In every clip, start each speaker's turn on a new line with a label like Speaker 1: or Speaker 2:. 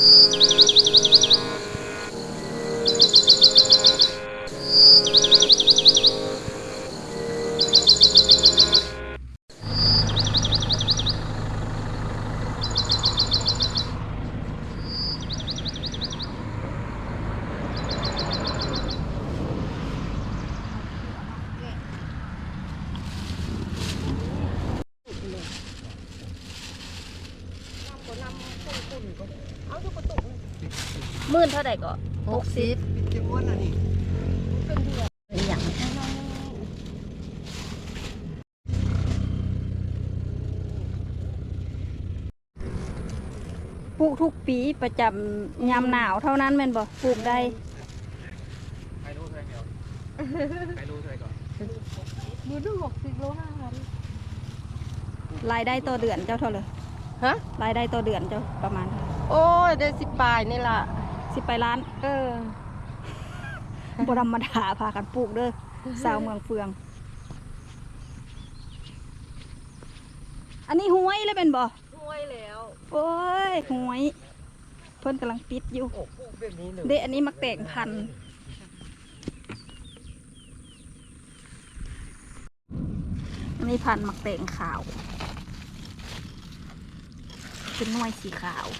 Speaker 1: มื่นเท่าไหร่ก็60
Speaker 2: จะอ้วนอ่ะนี่
Speaker 1: เป็นเดือนอย่างปลูกทุกปีประจำยามหนาวเท่านั้นแม่นบ่ปลูกได้
Speaker 2: ใครรู้เท่าไหร่เดียวใครรู้เท่าไหร่ก่อน
Speaker 1: มือดู60 โล5,000รายได้ต่อเดือนเจ้าเท่าไหร่ฮะรายได้ต่อเดือนเจ้าประมาณ
Speaker 3: โอ้ยได้10 ปลายนี่ล่ะ
Speaker 1: 10 ปลายล้านบ่ธรรมดาพากันปลูกเด้อสาวเมืองเฟืองอันนี้ห้วยเลยเป็นบ่
Speaker 3: ห้วยแล้ว
Speaker 1: โอ้ยห้วยเพิ่นกำลังปิดอยู่เด็อันนี้มักแตงพันธุ์อันนี้พันธุ์มักแตงขาวเป็นหน่วยสีขาว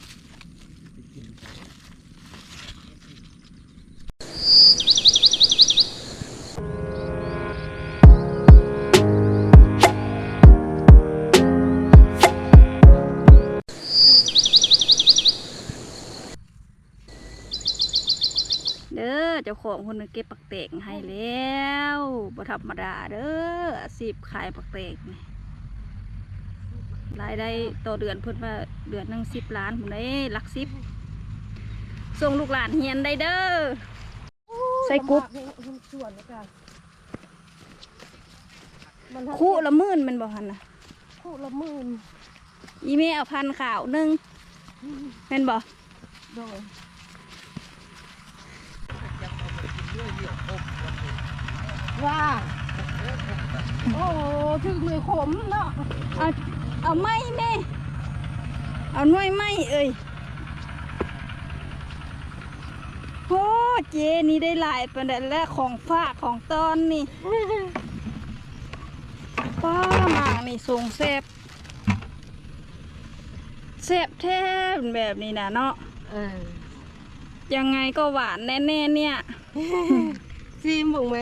Speaker 1: เด้อเจ้าของคนนึงเก็บปักเตงให้แล้วบ่ธรรมดาเด้ออาชีพขายปักเตงรายได้ต่อเดือนเพิ่นว่าเดือนนึง10 ล้านผมได้หลัก10ส่งลูกหลานเฮียนได้เด้อใส่กุ๊บคู่ละหมื่นมันบอกหันนะ
Speaker 3: คู่ละ10,000
Speaker 1: อีเมเอาพันข่าวนึงเป็นบอก
Speaker 3: ว่าโอ้ถึงมือขมเนาะ
Speaker 1: เอาไม้แม่เอาหน่วยไม้เอ้ยโอ้เจนี่ได้หลายประเด็นแล้วของฝากของตอนนี่ป้าหมากนี่ทรงแซ่บแท้แบบนี้นะเนาะยังไงก็หวานแน่ๆเนี่ย
Speaker 3: ซีมบุ๋งไหม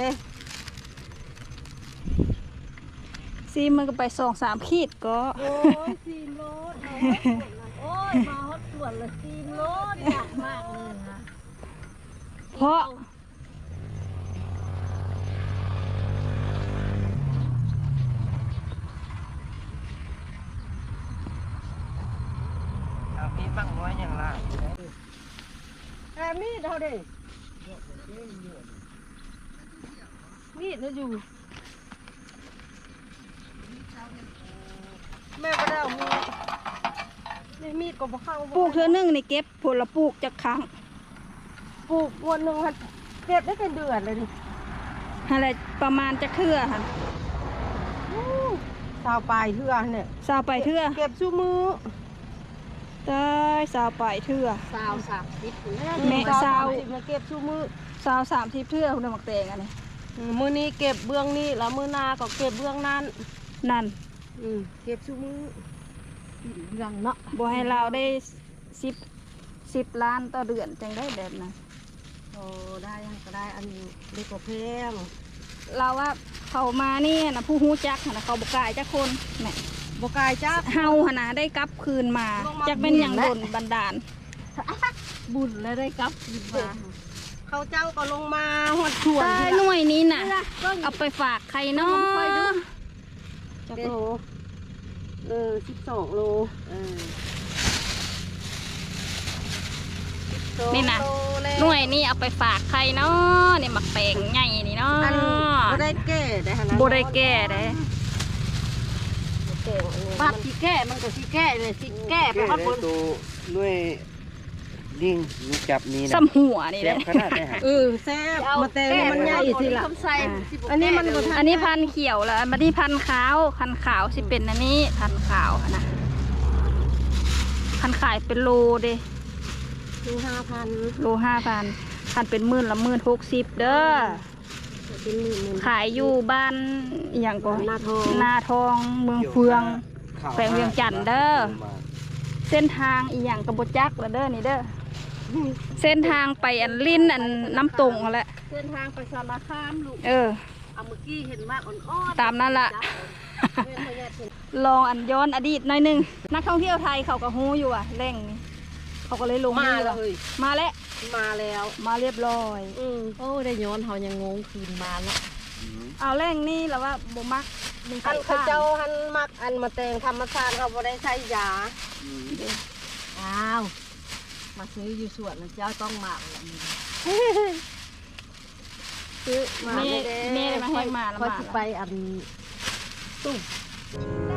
Speaker 1: ซีมันก็ไป2-3 ขีดก็
Speaker 3: โอ้ยซีมรถโอ้ยมาฮอตส่วนละซีมรถอยากมากเลยนะ
Speaker 1: เพราะ
Speaker 2: มีบ้างน้อยอย่างไร
Speaker 3: มีดเอาดิมีดเราอยู่แม่ก็ได้เอามีดก็บ่เข้า
Speaker 1: ปลูกเธอนึ่งในเก็บผลปลูกจากครั้ง
Speaker 3: ปลูกวันหนึ่งเก็บได้เป็นเดือนเลยดิ
Speaker 1: อะไรประมาณจะเทื่อค่ะ
Speaker 3: 20 ปลายเทื่อเนี่ย
Speaker 1: 20 ปลายเทื่อ
Speaker 3: เก็บชูมือ
Speaker 1: ได้20 ปลายเทื่อ
Speaker 3: แม่มาเก็บชูมือ
Speaker 1: 30 เทื่อคุณหมักแตงอันนี้
Speaker 3: มือนี้เก็บเบื้องนี้แล้วมือหน้าก็เก็บเบื้องนั้นเก็บชูมือยังเนาะ
Speaker 1: บ่ให้เราได้10 ล้านต่อเดือนจังได้แบบนั้น
Speaker 3: โอ้ได้ยังก็ได้อันนี้เล็กกว่าแพง
Speaker 1: เราว่าเขามานี่นะผู้ฮู้จักนะเขาบกายจักคนแม่
Speaker 3: บกายจัก
Speaker 1: เฮาหนะได้กลับคืนมาจักเป็นอย่างโดนบันดาล
Speaker 3: บุญแล้วได้กลับคืนมาเขาเจ้าก็ลงมาหัวถ่วน
Speaker 1: หน่วยนี้น่ะเอาไปฝากใครเนาะ
Speaker 3: จักโล12 โล
Speaker 1: นี่นะหน่วยนี้เอาไปฝากใครเนาะนี่หมักแตงใหญ่นี่เนาะ
Speaker 3: บ่ได้แก่ได้
Speaker 1: นะบ่ได้แก่ได้
Speaker 3: ปัดสิแก่มันก็สิแก่เลยสิแก่ไปฮอดบน
Speaker 2: ด้วยลิงจับนี่นะ
Speaker 1: ซ้ำหัวนี่แหละ
Speaker 3: แซ่บมาแต่มันใหญ่สิล่ะอัน
Speaker 1: นี้พันเขียวแล้วอันนี้พันขาวสิเป็นอันนี้พันขาวนะพันขายเป็นโลเด้
Speaker 3: โล5,000
Speaker 1: โล5,000คันเป็น10,000ละ10,060เด้อ
Speaker 3: เป็นหมื่น
Speaker 1: ขายอยู่บ้านอหย่างก่อน
Speaker 3: นาทอง
Speaker 1: เมืองเฟืองแขวงเวียงจันทน์เด้อเส้นทางอีหยังกระบจักละเด้อนี่เด้อเส้นทางไปอันลิ้นอันน้ำตงนั่นแหละ
Speaker 3: เส้นทางไปสารคามลูก
Speaker 1: เออ
Speaker 3: เอาเมื่อกี้เห็นมากอ่อนๆ
Speaker 1: ตามนั่นล่ะ ลองอันย้อนอดีตหน่อยหนึงนักท่องเที่ยวไทยเขาก็ฮู้อยู่อ่ะแหล่งนี้เขาก็เลยลง
Speaker 3: มา
Speaker 1: นี่
Speaker 3: แล้
Speaker 1: ว่ะ
Speaker 3: วเฮ้ย
Speaker 1: มาแล้ว
Speaker 3: มาแล้ว
Speaker 1: มาเรียบร้อย
Speaker 3: โอ้ได้ย้อนเขายังงงคืนมาแล้ว
Speaker 1: เอาแหล่งนี้แล้วว่าบ่มักมี
Speaker 3: อัน
Speaker 1: ข้า
Speaker 3: เขาเจ้าหันมักอันมาแต่งธรรมชาติเขาบ่ได้ใช้ยาอ้าวมาซื้ออยู่สวนแล้วเจ้าต้องมาแล้วซื้อมา
Speaker 1: แม่ได้มาแห้งมาแล้ว
Speaker 3: ค่อย
Speaker 1: มา
Speaker 3: สิไปอันตุ้ม